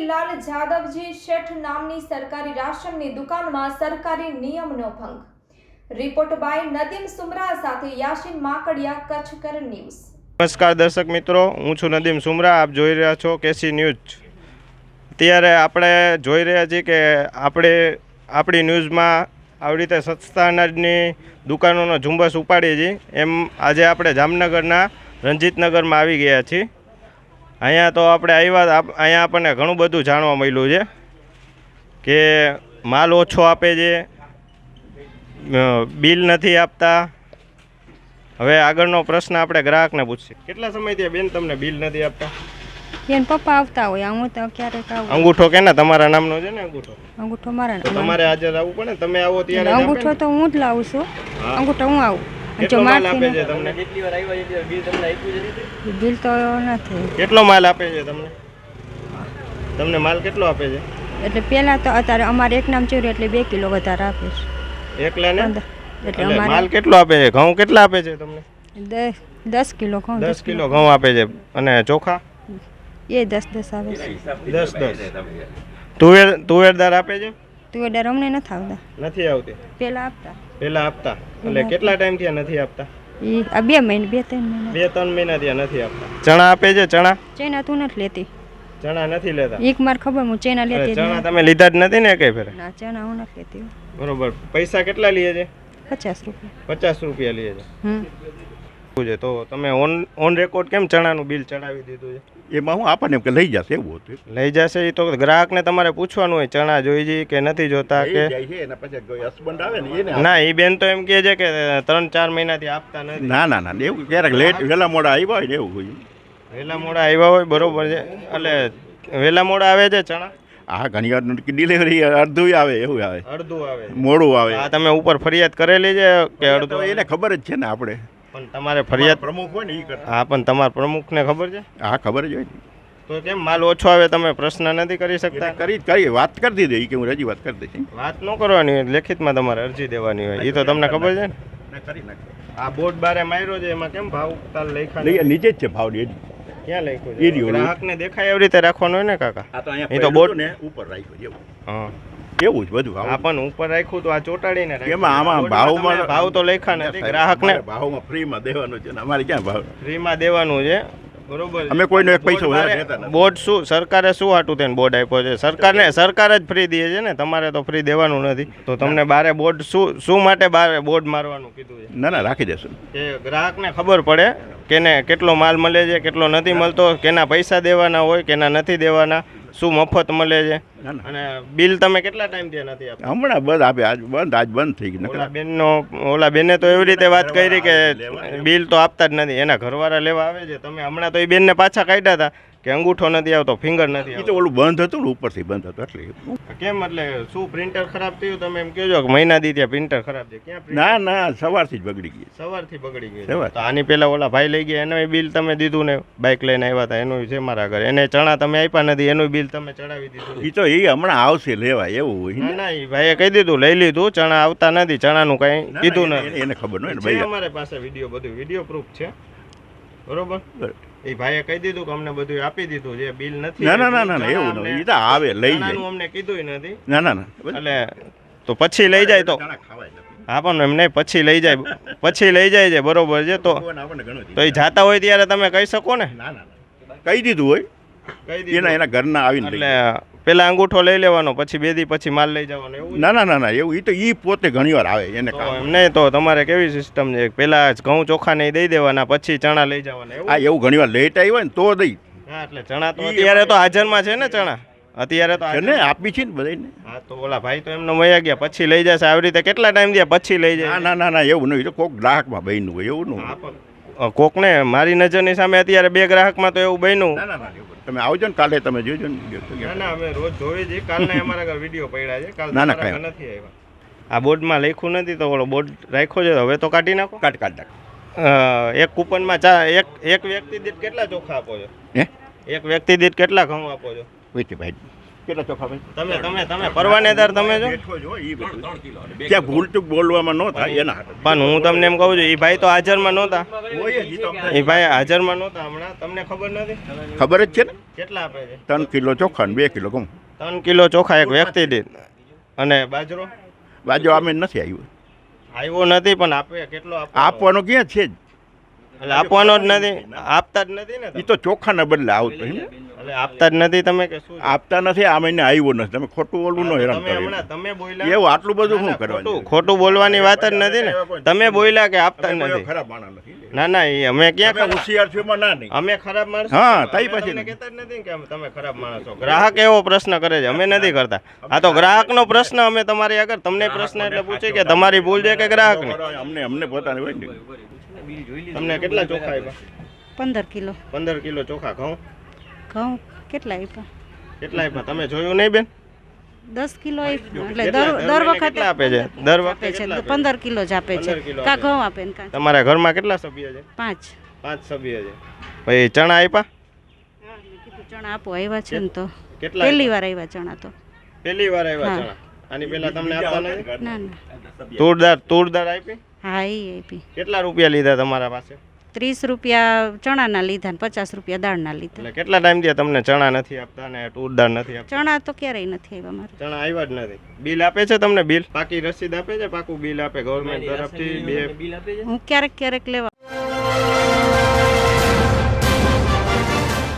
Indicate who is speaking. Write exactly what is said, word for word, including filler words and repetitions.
Speaker 1: લાલ જાદવજી શેઠ નામની સરકારી રાશનની દુકાનમાં સરકારી નિયમનો ભંગ। રિપોર્ટ બાય નદીમ સુમરા સાથે યાસીન માકડિયા, કચ્છ કર ન્યૂઝ।
Speaker 2: નમસ્કાર દર્શક મિત્રો, હું છું નદીમ સુમરા, આપ જોઈ રહ્યા છો કેસી ન્યૂઝ। અત્યારે આપણે જોઈ રહ્યા છીએ કે આપણે આપણી ન્યૂઝમાં આવી રીતે સસ્તા અનાજની દુકાનોનો ઝુંબશ ઉપાડીએ છીએ, એમ આજે આપણે જામનગરના રણજીતનગરમાં આવી ગયા છીએ। અહીંયા તો આપણે આવ્યા, અહીંયા આપણને ઘણું બધું જાણવા મળ્યું છે કે માલ ઓછો આપે છે, બિલ નથી આપતા। હવે આગળનો પ્રશ્ન આપણે ગ્રાહકને પૂછીએ। કેટલા સમયથી બેન તમને બિલ નથી આપતા?
Speaker 3: બેન પપ્પા આવતા હોય, હું તો ક્યારેક આવું।
Speaker 2: અંગૂઠો કેના? તમારા નામનો છે ને અંગૂઠો?
Speaker 3: અંગૂઠો મારા
Speaker 2: તો તમારે હાજર આવવું પડે ને, તમે આવો ત્યારે
Speaker 3: અંગૂઠો તો હું જ લાવું છું, અંગૂઠો હું આવું।
Speaker 2: કેટલો માલ આપે છે તમને?
Speaker 3: બિલ તો નથી।
Speaker 2: કેટલો માલ આપે છે તમને? તમને માલ કેટલો આપે છે?
Speaker 3: એટલે પહેલા તો અત્યારે અમારે એક નામ ચોર્યું એટલે બે કિલો વધારે આપે છે।
Speaker 2: એકલા ને?
Speaker 3: એટલે અમારે
Speaker 2: માલ કેટલો આપે છે? ઘઉં કેટલા આપે છે તમને?
Speaker 3: દસ દસ કિલો ઘઉં।
Speaker 2: દસ કિલો ઘઉં આપે છે। અને ચોખા?
Speaker 3: એ દસ દસ આવે છે।
Speaker 2: દસ દસ તુવેર તુવેરદાર આપે છે?
Speaker 3: તુવેરદાર અમને નથી આવતા।
Speaker 2: નથી આવતી?
Speaker 3: પહેલા આપતા
Speaker 2: પહેલા આપતા? એટલે કેટલા ટાઈમ થયા નથી આપતા?
Speaker 3: એ આ બે મહિને બે ત્રણ મહિના
Speaker 2: બે ત્રણ મહિના થયા નથી આપતા। ચણા આપે છે? ચણા
Speaker 3: ચેના તું નથી લેતી?
Speaker 2: ચણા નથી લેતા?
Speaker 3: એક માર ખબર હું ચેના લેતી જ
Speaker 2: ચણા તમે લીધા જ નથી ને કઈ ફેરે?
Speaker 3: ના, ચણા હું નથી લેતી।
Speaker 2: બરોબર। પૈસા કેટલા લે છે?
Speaker 3: પચાસ રૂપિયા।
Speaker 2: પચાસ રૂપિયા લે છે।
Speaker 3: હમ
Speaker 2: છે તો તમે ઓન ઓન રેકોર્ડ કેમ ચણાનું બિલ ચડાવી દીધું છે?
Speaker 4: એમાં હું આપણને કે લઈ જશે એવું હતું।
Speaker 2: લઈ જશે એ તો ગ્રાહકને તમારે પૂછવાનું હોય, ચણા જોઈ છે કે નથી જોતા કે
Speaker 4: હસબન્ડ આવે ને એને
Speaker 2: ના। એ બેન તો એમ કહે છે કે ત્રણ ચાર મહિનાથી આપતા નથી।
Speaker 4: ના ના ના એવું ક્યારેક લેટ વહેલા મોડા આવ્યા હોય ને એવું હોય।
Speaker 2: વહેલા મોડા આવ્યા હોય, બરોબર છે। એટલે વહેલા મોડા આવે છે ચણા?
Speaker 4: હા, ઘણી વાર ડિલિવરી અડધું આવે એવું આવે,
Speaker 2: અડધું આવે,
Speaker 4: મોડું આવે।
Speaker 2: આ તમે ઉપર ફરિયાદ કરેલી છે કે અડધું?
Speaker 4: એને ખબર જ છે ને આપણે,
Speaker 2: પણ તમારે ફરિયાદ
Speaker 4: પ્રમુખ હોય ને એ કરે।
Speaker 2: હા, પણ તમારા પ્રમુખને ખબર છે?
Speaker 4: હા, ખબર જ હોય।
Speaker 2: તો કેમ માલ ઓછો આવે તમે પ્રશ્ન નથી કરી શકતા?
Speaker 4: કરી કરી વાત કરી દીધી કે હું રજી વાત કરી દઈશ।
Speaker 2: વાત ન કરવાની હોય, લેખિતમાં તમારે અરજી દેવાની હોય, એ તો તમને ખબર છે ને?
Speaker 4: કરી નાખે।
Speaker 2: આ બોર્ડ બારે માર્યો છે, એમાં કેમ ભાવ તાલ લખ્યા?
Speaker 4: નીચે જ છે ભાવ ને,
Speaker 2: ક્યાં લખ્યું
Speaker 4: એ
Speaker 2: છે?
Speaker 4: રહ્યું।
Speaker 2: ગ્રાહકને દેખાય એવી રીતે રાખવાનું હોય ને કાકા?
Speaker 4: આ તો
Speaker 2: એ
Speaker 4: અહીંયા
Speaker 2: તો બોર્ડ
Speaker 4: ને ઉપર રાખ્યું એવું।
Speaker 2: હા,
Speaker 4: એવું જ બધું
Speaker 2: આ પણ ઉપર રાખ્યું તો આ ચોટાડીને રાખ્યું।
Speaker 4: એમાં આમાં ભાવમાં
Speaker 2: ભાવ તો લખ્યા નથી, ગ્રાહકને
Speaker 4: ભાવમાં ફ્રીમાં દેવાનું છે ને, અમારે ક્યાં ભાવ
Speaker 2: ફ્રીમાં દેવાનું છે, બરોબર?
Speaker 4: અમે કોઈનો એક પૈસો વધારે દેતા નથી।
Speaker 2: બોર્ડ શું સરકારે શું હાટું થઈને બોર્ડ આપ્યો છે? સરકારને સરકાર જ ફ્રી દે છે ને, તમારે તો ફ્રી દેવાનું નથી। તો તમને બારે બોર્ડ શું શું માટે બારે બોર્ડ મારવાનું કીધું છે?
Speaker 4: ના ના રાખી દેશું
Speaker 2: કે ગ્રાહકને ખબર પડે કેને કેટલો માલ મળે છે, કેટલો નથી મળતો, કેના પૈસા દેવાના હોય, કેના નથી દેવાના, શું મફત મળે છે। અને બિલ તમે કેટલા ટાઈમથી નથી આપતા?
Speaker 4: હમણાં બંધ આપે, આજ બંધ આજ બંધ થઈ ગયું।
Speaker 2: ઓલા બેનનો ઓલા બેને તો એવી રીતે વાત કરી કે બિલ તો આપતા જ નથી, એના ઘરવાળા લેવા આવે છે। તમે હમણાં તો એ બેનને પાછા કાઢ્યા હતા કે અંગૂઠો નથી આવતો, ફિંગર નથી
Speaker 4: એ
Speaker 2: આવતો।
Speaker 4: તો ઓલું બંધ હતું ને, ઉપરથી બંધ હતું એટલે।
Speaker 2: કેમ એટલે શું પ્રિન્ટર ખરાબ થયું? તમે એમ કહેજો કે મહિના દી ત્યાં પ્રિન્ટર ખરાબ છે? ક્યાં printer?
Speaker 4: ના ના સવારથી જ બગડી ગઈ,
Speaker 2: સવારથી બગડી ગઈ।
Speaker 4: સવાર
Speaker 2: તો આની પહેલા ઓલા ભાઈ લઈ ગયા એનું બિલ તમે દીધું ને? બાઇક લઈને આવ્યા હતા એનું છે મારા ઘરે, એને ચણા તમે આપ્યા નથી, એનું બિલ તમે ચડાવી દીધું।
Speaker 4: એ તો એ હમણાં આવશે લેવા એવું હોય
Speaker 2: ના ના, એ ભાઈએ કહી દીધું લઈ લીધું, ચણા આવતા નથી, ચણાનું કઈ કીધું નથી।
Speaker 4: એને ખબર ન હોય ને
Speaker 2: છે
Speaker 4: ભાઈ,
Speaker 2: અમારે પાસે વિડીયો, બધું વિડીયો પ્રૂફ છે, બરોબર? એ ભાઈએ કહી દીધું કે અમને બધું આપી દીધું છે, બિલ નથી।
Speaker 4: ના ના ના ના એવું નહીં, એ તો આવે લઈ જાય।
Speaker 2: અમને કીધું નથી।
Speaker 4: ના ના ના
Speaker 2: એટલે તો પછી લઈ જાય તો હા, પણ એમ નહીં, પછી લઈ જાય, પછી લઈ જાય છે, બરોબર છે? તો તો એ જાતા હોય ત્યારે તમે કહી શકો ને?
Speaker 4: ના ના કહી દીધું હોય,
Speaker 2: કહી દીધું
Speaker 4: એના એના ઘરના આવીને લઈ
Speaker 2: એટલે પેલા અંગૂઠો લઈ લેવાનો, પછી બે દી પછી માલ લઈ જવાનો, એવું?
Speaker 4: ના ના ના ના એવું, એ તો એ પોતે ઘણી વાર આવે એને
Speaker 2: તો
Speaker 4: કામ।
Speaker 2: એમ નહીં, તો તમારે કેવી સિસ્ટમ છે? પેલા ઘઉં ચોખા નહીં દઈ દેવાના, પછી ચણા લઈ જવાના, એવું?
Speaker 4: હા, એવું ઘણી વાર લેટ આવી હોય ને તો દઈ।
Speaker 2: હા, એટલે ચણા તો અત્યારે તો હાજરમાં છે ને, ચણા અત્યારે તો
Speaker 4: ને આપી છે ને બધાને।
Speaker 2: હા, તો ઓલા ભાઈ તો એમને વયા ગયા, પછી લઈ જશે આવી રીતે? કેટલા ટાઈમ થયા પછી લઈ જાય?
Speaker 4: ના ના ના એવું નહીં, કોઈક ગ્રાહકમાં બન્યું હોય એવું નું।
Speaker 2: કોકને મારી નજરની સામે અત્યારે બે ગ્રાહકમાં તો એવું બન્યું।
Speaker 4: ના ના ના તમે આવજો ને કાલે, તમે જોજો ને।
Speaker 2: ના ના, અમે રોજ જોઈએ છીએ, કાલના અમારા ઘર વિડીયો પડ્યા છે, કાલ
Speaker 4: ના ના
Speaker 2: તમારા ઘર નથી આવ્યા। આ બોર્ડમાં લખ્યું નથી તો ઓલો બોર્ડ રાખ્યો છે, હવે તો કાઢી નાખો।
Speaker 4: કાઢ કાઢ નાખ।
Speaker 2: એક કૂપનમાં ચા એક એક વ્યક્તિ દીઠ કેટલા ચોખા આપો છો?
Speaker 4: હે,
Speaker 2: એક વ્યક્તિ દીઠ કેટલા ઘઉં આપો છો?
Speaker 4: વેચી ભાઈ કેટલા ચોખા ભાઈ
Speaker 2: તમે તમે તમે પરવાનેદાર તમે છો
Speaker 4: બેઠો જ હોય ઈ બધું ત્યાં ભૂલ ચૂક બોલવામાં ન થાય એના હાટુ.
Speaker 2: પણ હું તમને એમ કહું છું એ ભાઈ તો હાજરમાં નહોતા
Speaker 4: હોય જ ઈ તો અમને
Speaker 2: એ ભાઈ હાજરમાં નહોતા હમણાં તમને ખબર નથી
Speaker 4: ખબર જ છે ને
Speaker 2: કેટલા આપે છે
Speaker 4: ત્રણ કિલો ચોખા ને બે કિલો ઘઉં
Speaker 2: ત્રણ કિલો ચોખા એક વ્યક્તિ દીઠ અને બાજરો
Speaker 4: બાજુ અમે નથી આવ્યું
Speaker 2: આવ્યો નથી પણ આપે કેટલો આપો
Speaker 4: આપવાનો ક્યાં છે જ
Speaker 2: એટલે આપવાનો જ નથી આપતા જ નથી ને
Speaker 4: એ તો ચોખાના બદલે આવતું એમ
Speaker 2: એટલે આપતા જ નથી તમે કે શું
Speaker 4: આપતા નથી આ મહિને આવ્યો નથી તમે ખોટું બોલવું ન હેરાન
Speaker 2: તમે
Speaker 4: કરો
Speaker 2: હમણાં તમે બોલ્યા
Speaker 4: એવું આટલું બધું શું
Speaker 2: ખોટું
Speaker 4: કરવાનું
Speaker 2: ખોટું બોલવાની વાત જ નથી ને તમે બોલ્યા કે આપતા જ નથી
Speaker 4: ખરાબ માણસ નથી
Speaker 2: ના ના એ અમે ક્યાં
Speaker 4: તમે
Speaker 2: ખરાબ-
Speaker 4: હોશિયાર છો એમાં ના નહીં
Speaker 2: અમે ખરાબ માણસ
Speaker 4: હા,
Speaker 2: અમે
Speaker 4: તઈ પછી
Speaker 2: તમને
Speaker 4: નહીં.
Speaker 2: કહેતા જ નથી કે અમે- તમે ખરાબ માણસ છો ગ્રાહક એવો પ્રશ્ન કરે છે અમે નથી કરતા આ તો ગ્રાહકનો પ્રશ્ન અમે તમારી આગળ તમને પ્રશ્ન એટલે પૂછે કે તમારી ભૂલ છે કે ગ્રાહકની
Speaker 4: અમને અમને પોતાની હોય ને
Speaker 2: તમને કેટલા ચોખા આપ્યા
Speaker 5: પંદર કિલો
Speaker 2: પંદર કિલો ચોખા ઘઉં
Speaker 5: ઘઉં કેટલા આપ્યા
Speaker 2: કેટલા આપ્યા તમે જોયું નહીં બેન
Speaker 5: દસ કિલો આપ્યા એટલે
Speaker 2: કેટલા?
Speaker 5: દર
Speaker 2: દર
Speaker 5: દર
Speaker 2: મહિને
Speaker 5: વખતે
Speaker 2: કેટલા આપે છે દર
Speaker 5: આપે
Speaker 2: વખતે
Speaker 5: છે
Speaker 2: કેટલા આપે છે?
Speaker 5: પંદર કિલો જ આપે છે
Speaker 2: પંદર કિલો
Speaker 5: કા
Speaker 2: આપે છે.
Speaker 5: ઘઉં આપે ને કા
Speaker 2: તમારા ઘરમાં કેટલા સભ્ય છે
Speaker 5: પાંચ
Speaker 2: પાંચ સભ્ય છે ભાઈ ચણા આપ્યા
Speaker 5: હા, મેં કીધું ચણા આપો આવ્યા છે ને તો
Speaker 2: કેટલા
Speaker 5: પહેલી વાર આવ્યા ચણા તો
Speaker 2: પહેલી વાર આવ્યા
Speaker 5: હા.
Speaker 2: ચણા આની પહેલા તમને આપતા નથી
Speaker 5: ના ના
Speaker 2: તુર દાળ તુર દાળ આપી
Speaker 5: હા એ આપી
Speaker 2: કેટલા રૂપિયા લીધા તમારા પાસે
Speaker 5: ત્રીસ રૂપિયા ચણાના લીધા ને પચાસ રૂપિયા દાળના લીધા
Speaker 2: એટલે કેટલા ટાઈમ થયા તમને ચણા નથી આપતા ને તુર દાળ નથી આપતા
Speaker 5: ચણા તો ક્યારેય નથી આવ્યા મારે
Speaker 2: ચણા આવ્યા જ નથી બિલ આપે છે તમને બિલ પાકી રસીદ આપે છે પાકું બિલ આપે ગવર્મેન્ટ તરફથી બે
Speaker 5: હું ક્યારેક ક્યારેક લેવા